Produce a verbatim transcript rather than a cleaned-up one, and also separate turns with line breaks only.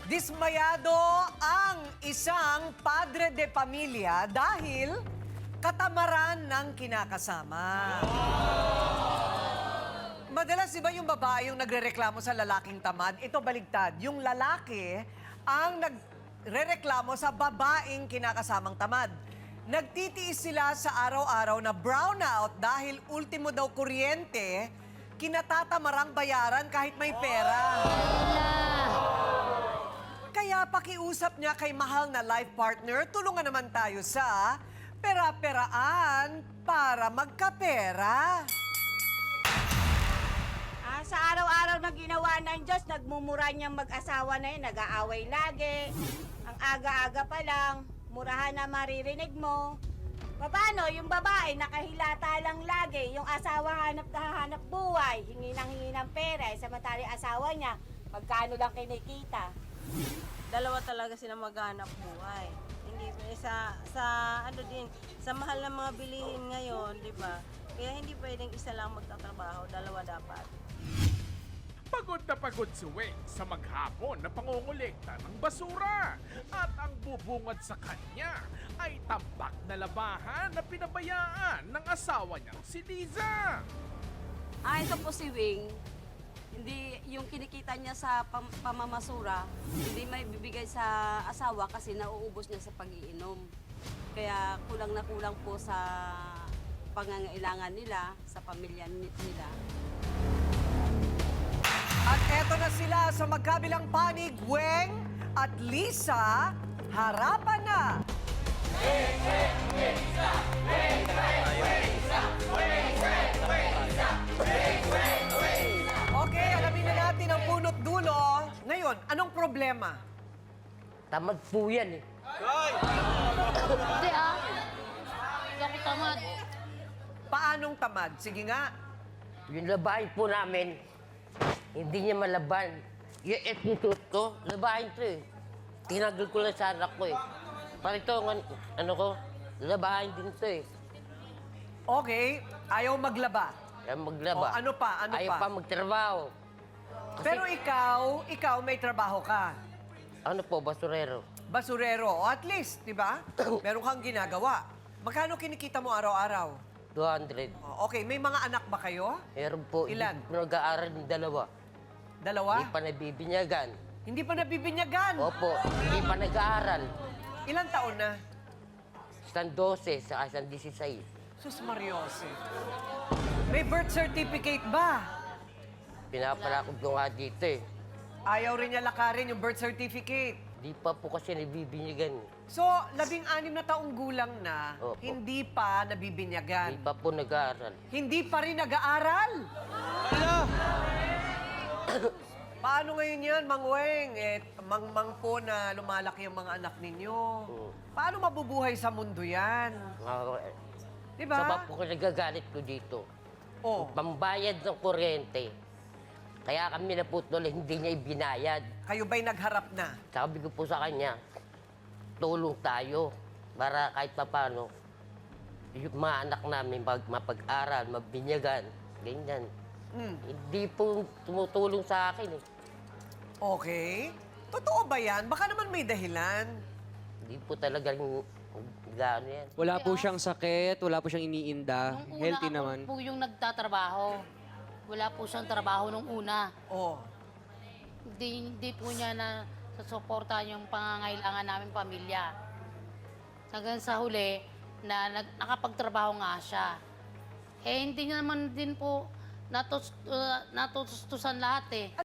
Dismayado ang isang padre de pamilya dahil katamaran ng kinakasama. Madalas, di ba yung babae yung nagrereklamo sa lalaking tamad? Ito baligtad. Yung lalaki ang nagrereklamo sa babaeng kinakasamang tamad. Nagtitiis sila sa araw-araw na brownout dahil ultimo daw kuryente, kinatatamarang bayaran kahit may pera. Kaya pakiusap niya kay mahal na life partner, tulungan naman tayo sa pera-peraan para magkapera.
Ah, sa araw-araw na ginawa ng Diyos, nagmumura niyang mag-asawa na yun, nag-aaway lagi. Ang aga-aga pa lang, murahan na maririnig mo. Paano? Yung babae, nakahilata lang lagi. Yung asawa hanap na hanap buhay, hingi ng hingi ng pera. Eh, samantala yung asawa niya, magkano lang kinikita.
Dalawa talaga sila maghanap buhay. Hindi eh, sa sa ano din, sa mahal ng mga bilihin ngayon, 'di ba? Kaya hindi pwedeng isa lang magtatrabaho, dalawa dapat.
Pagod na pagod si Weng sa maghapon na pangongolekta ng basura. At ang bubungad sa kanya ay tambak na labahan na pinabayaan ng asawa niyang si Liza.
Ah, ito po si Wing. Hindi, yung kinikita niya sa pam pamamasura, hindi may bibigay sa asawa kasi nauubos niya sa pag-iinom. Kaya kulang na kulang po sa pangangailangan nila, sa pamilya ni- nila.
At eto na sila sa magkabilang panig, Weng at Lisa, harapan na! Okay, alamin na natin ang punot dulo. Ngayon, anong problema?
Tamad po yan eh.
Hindi ah. Hindi ako tamad.
Paanong tamad? Sige nga.
Yung labahin po namin, hindi niya malaban. Yung attitude ko, labahin to eh. Tinagal ko lang sa anak ko eh. Parito, ano ko, labahin din to eh.
Okay, ayaw maglaba.
Kaya maglaba.
O, ano pa? Ano
Ayaw
pa?
pa magtrabaho. Kasi,
Pero ikaw, ikaw may trabaho ka.
ano po, basurero.
Basurero. O at least, di ba? Meron kang ginagawa. Magkano kinikita mo araw-araw?
two hundred.
O, okay, may mga anak ba kayo?
Meron po,
Ilan?
hindi po nag-aaral ng dalawa.
Dalawa?
Hindi pa nabibinyagan.
Hindi pa nabibinyagan.
Opo, hindi pa nag-aaral.
Ilang taon na?
Isang dose sa isang disisays.
Sus Mariose. May birth certificate ba?
Pinapalakog ko nga dito eh.
Ayaw rin niya lakarin yung birth certificate.
Di pa po kasi nabibinyagan.
So, labing-anim na taong gulang na,
Opo.
hindi pa
Di
nabibinyagan.
pa po nag-aaral.
Hindi pa rin nag-aaral. Paano ngayon yan, Mang Weng? Eh, mang-mang po na lumalaki ang mga anak ninyo.
Oo.
Paano mabubuhay sa mundo yan?
Mga-
Di
Sa
ba?
pa po ko nagagalit ko dito.
Oh,
Pambayad ng kuryente. Kaya kami naputol, hindi niya ibinayad.
kayo ba'y nagharap na?
Sabi ko po sa kanya, tulong tayo para kahit papano yung mga anak namin mag mapag-aral, mabinyagan, ganyan.
Hmm.
Hindi po tumutulong sa akin eh.
Okay. Totoo ba yan? Baka naman may dahilan.
Hindi po talagang gano'n yan.
Wala po siyang sakit, wala po siyang iniinda.
Nung una
Healthy
ako
naman.
po yung nagtatrabaho. Wala po siyang trabaho nung una.
Oh.
Hindi, hindi po niya na susuporta yung pangangailangan namin pamilya. Hanggang sa huli, na nag, nakapagtrabaho nga siya. Eh, hindi niya naman din po natus, uh, natutustusan lahat eh.